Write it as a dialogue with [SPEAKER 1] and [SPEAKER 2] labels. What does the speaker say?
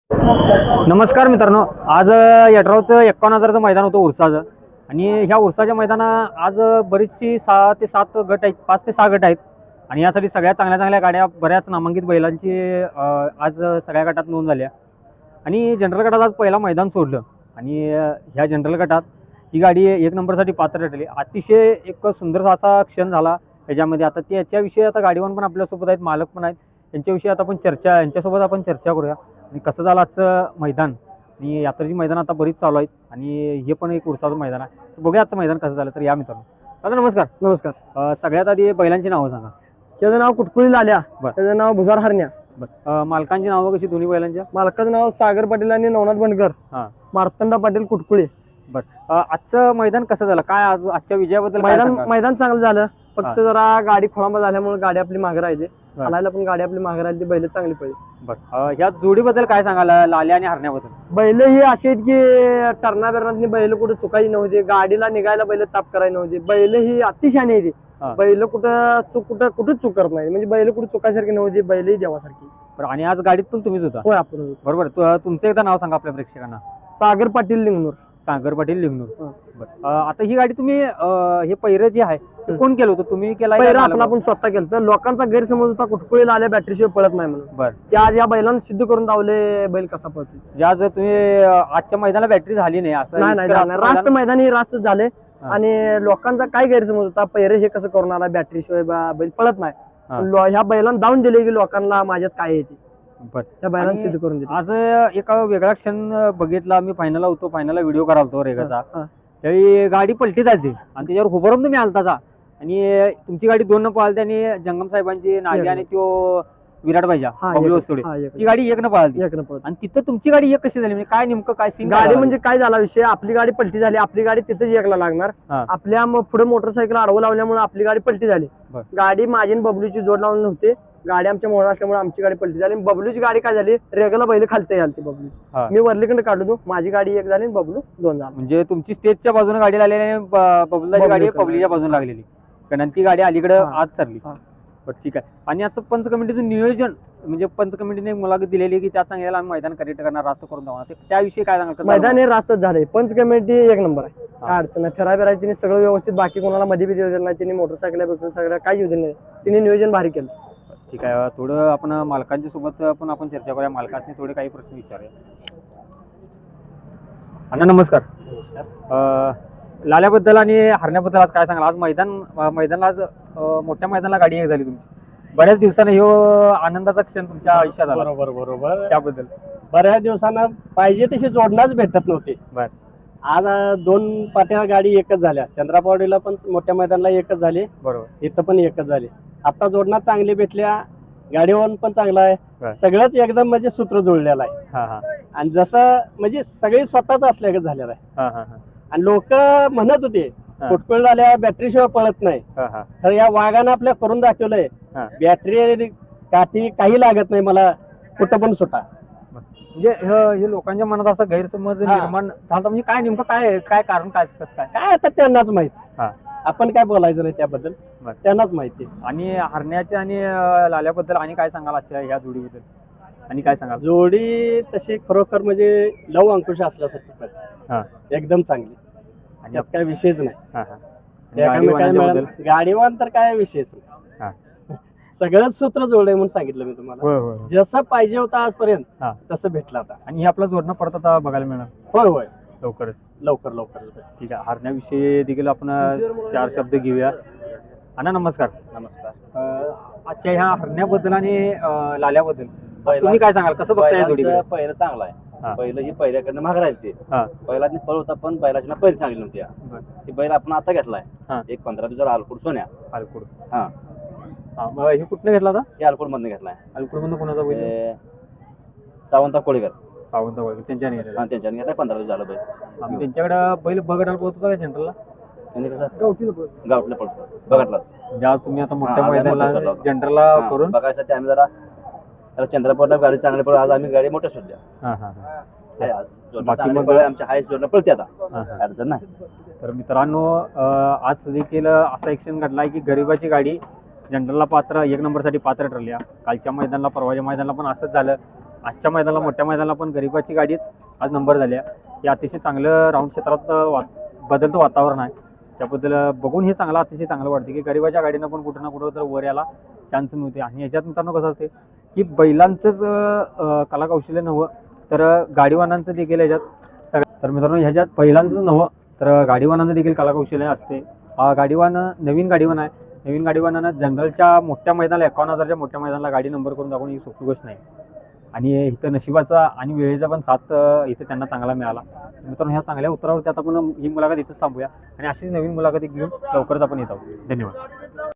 [SPEAKER 1] नमस्कार मित्रांनो, आज यड्रावचं 51,000चं मैदान होतं उरसाचं. आणि ह्या उरसाच्या मैदानात आज बरीचशी 6 ते 7 गट आहेत, 5 ते 6 गट आहेत. आणि यासाठी सगळ्या चांगल्या चांगल्या गाड्या, बऱ्याच नामांकित बैलांची आज सगळ्या गटात नोंद झाल्या. आणि जनरल गटात आज पहिला मैदान सोडलं. आणि ह्या जनरल गटात ही गाडी 1 नंबरसाठी पात्र ठरली. अतिशय एक सुंदर असा क्षण झाला त्याच्यामध्ये. आता त्याच्याविषयी आता गाडीवान पण आपल्यासोबत आहेत, मालक पण आहेत. यांच्याविषयी आता आपण यांच्यासोबत आपण चर्चा करूया. आणि कसं झालं आजचं मैदान. आणि यात्रेची मैदान आता बरीच चालू आहेत आणि हे पण एक उरसाचं मैदान आहे. तर बघूया आजचं मैदान कसं झालं. तर या मित्रांनो, दादा नमस्कार.
[SPEAKER 2] नमस्कार.
[SPEAKER 1] सगळ्यात आधी बैलांची नावं सांगा.
[SPEAKER 2] त्याचं नाव कुटकुळी लाल्या,
[SPEAKER 1] बरं.
[SPEAKER 2] त्याचं नाव भुजार हरण्या.
[SPEAKER 1] बरं, मालकांची नावं कशी दोन्ही बैलांच्या?
[SPEAKER 2] मालकाचं नाव सागर पाटील आणि नवनाथ बनकर.
[SPEAKER 1] हां.
[SPEAKER 2] मार्तंडा पाटील कुटकुळी.
[SPEAKER 1] बरं, आजचं मैदान कसं झालं, काय आज आजच्या विजयाबद्दल काय सांगाल?
[SPEAKER 2] मैदान चांगलं झालं, फक्त
[SPEAKER 1] हां.
[SPEAKER 2] जरा गाडी खोळंबा झाल्यामुळे गाडी आपली मागे राहिली.
[SPEAKER 1] बरं.
[SPEAKER 2] चालायला पण गाडी आपली मागे राहिली, बैल चांगली पडली.
[SPEAKER 1] बरं, ह्या जोडीबद्दल काय सांगाल, लाल्या आणि हरण्याबद्दल?
[SPEAKER 2] बैल ही अशी आहेत की टर्ना बिरणातली बैल कुठे चुकायची नव्हती, गाडीला निघायला बैल ताप करायची नव्हती. बैल ही अतिशहाणी आहे ती.
[SPEAKER 1] हां.
[SPEAKER 2] बैल कुठंच चूक करत नाही, म्हणजे बैल कुठे चुकायसारखी नव्हती, बैल ही देवासारखी.
[SPEAKER 1] बरं, आणि आज गाडीत पण तुम्हीच होता?
[SPEAKER 2] होय, आपण
[SPEAKER 1] बरोबर. तुमचं एकदा नाव सांगा आपल्या प्रेक्षकांना.
[SPEAKER 2] सागर पाटील लिंगनूर.
[SPEAKER 1] सागर पाटील लिंगनूर.
[SPEAKER 2] हां.
[SPEAKER 1] बरं, आता ही गाडी तुम्ही हे पहिरं जे आहे ते कोण केलं होतं, तुम्ही केलं
[SPEAKER 2] पहिला आपण स्वतः केलं. तर लोकांचा गैरसमज होता कुटकुळीला आल्या बॅटरीशिवाय पळत नाही म्हणून.
[SPEAKER 1] बरं,
[SPEAKER 2] ते आज या बैलांना सिद्ध करून दावले बैल कसा पळतो.
[SPEAKER 1] ज्या जर तुम्ही आजच्या मैदानाला बॅटरी झाली नाही असं
[SPEAKER 2] नाही
[SPEAKER 1] इतकं असं
[SPEAKER 2] रास्त मैदान ही रास्त झाले.
[SPEAKER 1] हां.
[SPEAKER 2] आणि लोकांचा काय गैरसमज होता, पहिरे हे कसं करून आला बॅटरीशिवाय बैल पळत नाही.
[SPEAKER 1] हां.
[SPEAKER 2] ह्या बैलांना दावून दिले की लोकांना माझ्यात काय येते,
[SPEAKER 1] बरं.
[SPEAKER 2] त्या बैलांना
[SPEAKER 1] आणि
[SPEAKER 2] सिद्ध करून दिले.
[SPEAKER 1] आज एक वेगळा क्षण बघितला मी. फायनलला होतो, फायनलला व्हिडिओ करालतो रेगाचा.
[SPEAKER 2] हां.
[SPEAKER 1] त्यावेळी गाडी पलटी जाते आणि त्याच्यावर उभारून तुम्ही आलताचा. आणि तुमची गाडी 2 पळालती आणि जंगम साहेबांची नागी आणि तो विराट पाहिजे ती गाडी 1 पळालती. आणि तिथं तुमची गाडी 1 कशी झाली, म्हणजे काय नेमकं काय सीन?
[SPEAKER 2] गाडी म्हणजे काय झाला विषय, आपली गाडी पलटी झाली, आपली गाडी तिथेच एकला लागणार.
[SPEAKER 1] हां.
[SPEAKER 2] आपल्या पुढे मोटरसायकल आडवं लावल्यामुळे आपली गाडी पलटी झाली.
[SPEAKER 1] बरं.
[SPEAKER 2] गाडी माझी आणि बबलूची जोड लावून नव्हते, गाडी आमच्या मोहन असल्यामुळे आमची गाडी पलटी झाली. बबलूची गाडी काय झाली, रेगला बैल खालते घालते बबलू.
[SPEAKER 1] हां.
[SPEAKER 2] मी वरलीकडे काढलो, माझी गाडी 1 झाली आणि बबलू 2 झाला.
[SPEAKER 1] म्हणजे तुमची स्टेजच्या बाजूने गाडी लागलेली आणि बबलूची गाडी पब्लिकच्या बाजूने लागलेली, कारण ती गाडी अलीकडे
[SPEAKER 2] हां.
[SPEAKER 1] आज चालली.
[SPEAKER 2] हां.
[SPEAKER 1] बरं, ठीक आहे. आणि आजचं पंच कमिटीचं नियोजन, म्हणजे पंच कमिटीने एक मुलाखत दिलेली की त्या सांगायला आम्ही मैदान करेक्ट करणार, रास्त करून जाणार, त्याविषयी काय सांगाल?
[SPEAKER 2] मैदान हे रास्तच झाले. पंच कमिटी 1 नंबर आहे, काय अडचण नाही. फिराय तिने सगळं व्यवस्थित, बाकी कोणाला मध्ये बी देऊ नाही. तिने मोटरसायकल सगळं काय येऊ दिलं नाही, तिने नियोजन भारी केलं.
[SPEAKER 1] ठीक आहे. थोडं आपण मालकांच्या सोबत पण आपण चर्चा करूया. मालकांनी थोडे काही प्रश्न विचारूया. अण्णा नमस्कार. लाल्याबद्दल आणि हरण्याबद्दल आज काय सांगाल? आज मैदानाला आज मोठ्या मैदानाला गाडी 1 झाली तुमची. बऱ्याच दिवसाने ह्यो आनंदाचा क्षण तुमच्या आयुष्यात आला,
[SPEAKER 3] बरोबर.
[SPEAKER 1] त्याबद्दल?
[SPEAKER 3] बऱ्याच दिवसांना पाहिजे तशी जोडणाच भेटत नव्हती.
[SPEAKER 1] बर.
[SPEAKER 3] आज 2 पाट्या गाडी 1च झाल्या. चंद्रापावडीला पण मोठ्या मैदानाला 1च झाली,
[SPEAKER 1] बरोबर.
[SPEAKER 3] इथं पण 1च झाली. आता जोडणा चांगली भेटल्या, गाडीवर पण चांगला
[SPEAKER 1] बर.
[SPEAKER 3] आहे, सगळंच एकदम म्हणजे सूत्र जुळलेलं आहे.
[SPEAKER 1] हा हा
[SPEAKER 3] आणि जसं म्हणजे सगळी स्वतःच असल्यागत झालेलं आहे.
[SPEAKER 1] हा हा हा
[SPEAKER 3] आणि लोक म्हणत होते
[SPEAKER 1] हा.
[SPEAKER 3] कुटकुळ झाल्या बॅटरी शिवाय पळत नाही,
[SPEAKER 1] हा हा
[SPEAKER 3] तर या वाघानं आपल्या करून दाखवलंय.
[SPEAKER 1] हा.
[SPEAKER 3] बॅटरी काठी काही लागत नाही, मला कुठं पण सुटा.
[SPEAKER 1] म्हणजे हे लोकांच्या मनात असा गैरसमज
[SPEAKER 3] हा.
[SPEAKER 1] निर्माण झाला, म्हणजे काय नेमकं काय कारण, काय कसं काय?
[SPEAKER 3] काय आता त्यांनाच माहित,
[SPEAKER 1] हा.
[SPEAKER 3] आपण काय बोलायचं नाही त्याबद्दल,
[SPEAKER 1] बर.
[SPEAKER 3] त्यांनाच माहिती.
[SPEAKER 1] आणि हरण्याच्या आणि लाल्याबद्दल आणि काय सांगाल आजच्या ह्या जोडीबद्दल, आणि काय सांगाल?
[SPEAKER 3] जोडी तशी खरोखर म्हणजे लव अंकुश असल्यासारखी
[SPEAKER 1] हा.
[SPEAKER 3] पडते, एकदम चांगली,
[SPEAKER 1] आणि
[SPEAKER 3] त्यात काय विषयच नाही.
[SPEAKER 1] हा हा आणि गाडी
[SPEAKER 3] एकामेकाला
[SPEAKER 1] वाहनाच्याबद्दल?
[SPEAKER 3] मिळालं गाडीवान तर काय विषयच
[SPEAKER 1] हा.
[SPEAKER 3] नाही. सगळंच सूत्र जोडलंय म्हणून सांगितलं मी तुम्हाला.
[SPEAKER 1] होय होय.
[SPEAKER 3] जसं पाहिजे होतं आजपर्यंत
[SPEAKER 1] हा.
[SPEAKER 3] तसं भेटलं आता.
[SPEAKER 1] आणि हे आपला जोडणं परत आता बघायला मिळणार
[SPEAKER 3] होय होय,
[SPEAKER 1] लवकरच.
[SPEAKER 3] लवकरच.
[SPEAKER 1] ठीक आहे. हरण्याविषयी देखील आपण 4 शब्द घेऊया. अण्णा नमस्कार.
[SPEAKER 3] नमस्कार.
[SPEAKER 1] आजच्या ह्या हरण्याबद्दल आणि लाल्याबद्दल तुम्ही काय सांगाल, कसं बघताय या जोडीकडे?
[SPEAKER 4] पहिलं चांगलं
[SPEAKER 1] हा.
[SPEAKER 4] आहे. पहिलं ही पहिल्याकडनं महाग राहील ते.
[SPEAKER 1] हा.
[SPEAKER 4] पहिला पळ होता, पण बैलाची ना पहिली चांगली नव्हती.
[SPEAKER 1] बर.
[SPEAKER 4] ही बैल आपण आता घेतलाय
[SPEAKER 1] हा.
[SPEAKER 4] एक 15 दिवसाला आलकूड सोन्या.
[SPEAKER 1] अलकुड.
[SPEAKER 4] हा.
[SPEAKER 1] हा, मग हे कुठनं घेतला होता?
[SPEAKER 4] हे आलकूड मधनं घेतलाय.
[SPEAKER 1] अलकुड मधून कोणाचा बैल?
[SPEAKER 4] हे सावंत कोळीकर,
[SPEAKER 1] सावंत वगैरे त्यांच्याने घेतला.
[SPEAKER 4] हा, त्यांच्याने घेतलाय. 15 दिवस झालं बैल.
[SPEAKER 1] आम्ही त्यांच्याकडे बैल बघायला पोहोचतो का सेंटरला?
[SPEAKER 4] त्यांनी कसं
[SPEAKER 2] गावठी
[SPEAKER 4] गावठला पडतो बघितला.
[SPEAKER 1] म्हणजे आज तुम्ही आता मोठ्या
[SPEAKER 4] हा, आज आम्ही
[SPEAKER 1] मैदानाला
[SPEAKER 4] मोठं सोडलं.
[SPEAKER 1] जनरलला
[SPEAKER 4] हा,
[SPEAKER 1] करून
[SPEAKER 4] बघायसाठी आम्ही जरा चंद्रपूरला गाडी चांगली पडली. आज आम्ही गाडी मोठ्या सोडल्या.
[SPEAKER 1] हा हा हा
[SPEAKER 4] हे आज जोडणं
[SPEAKER 1] बाकी
[SPEAKER 4] चांगली
[SPEAKER 1] मग-
[SPEAKER 4] पळते. आमच्या हाय जोडणं पळते आता,
[SPEAKER 1] हा हा.
[SPEAKER 4] अडचण नाही.
[SPEAKER 1] तर मित्रांनो, आज देखील असा ॲक्शन घडलाय की गरिबाची गाडी जनरलला 1 नंबरसाठी पात्र ठरली. कालच्या मैदानाला, परवाच्या मैदानाला पण असंच झालं. आजच्या मैदानाला मोठ्या मैदानाला पण गरिबाची गाडीच आज नंबर झाली आहे. हे अतिशय चांगलं राऊंड क्षेत्रात बदलतं वातावरण आहे. त्याबद्दल बघून हे अतिशय चांगलं वाटते की गरिबाच्या गाडीनं पण कुठं ना कुठं तर वर याला चान्स मिळते. आणि याच्यात मित्रांनो कसं असते की बैलांचंच कलाकौशल्य नव्हं तर गाडीवानांचं देखील ह्याच्यात तर मित्रांनो ह्याच्यात बैलांचंच नव्हं तर गाडीवानांचं देखील कलाकौशल्य असते. गाडीवान नवीन गाडीवान आहे. नवीन गाडीवानानं जनरलच्या मोठ्या मैदानाला 51,000च्या मोठ्या मैदानाला गाडी नंबर करून दाखवून ही सोपी गोष्ट नाही. आणि इथं नशिबाचा आणि वेळेचा पण साथ इथं त्यांना चांगला मिळाला. मित्रांनो ह्या चांगल्या उत्तरावरती आता आपण ही मुलाखत इथंच थांबूया आणि अशीच नवीन मुलाखती घेऊन लवकरच आपण येत आहोत. धन्यवाद.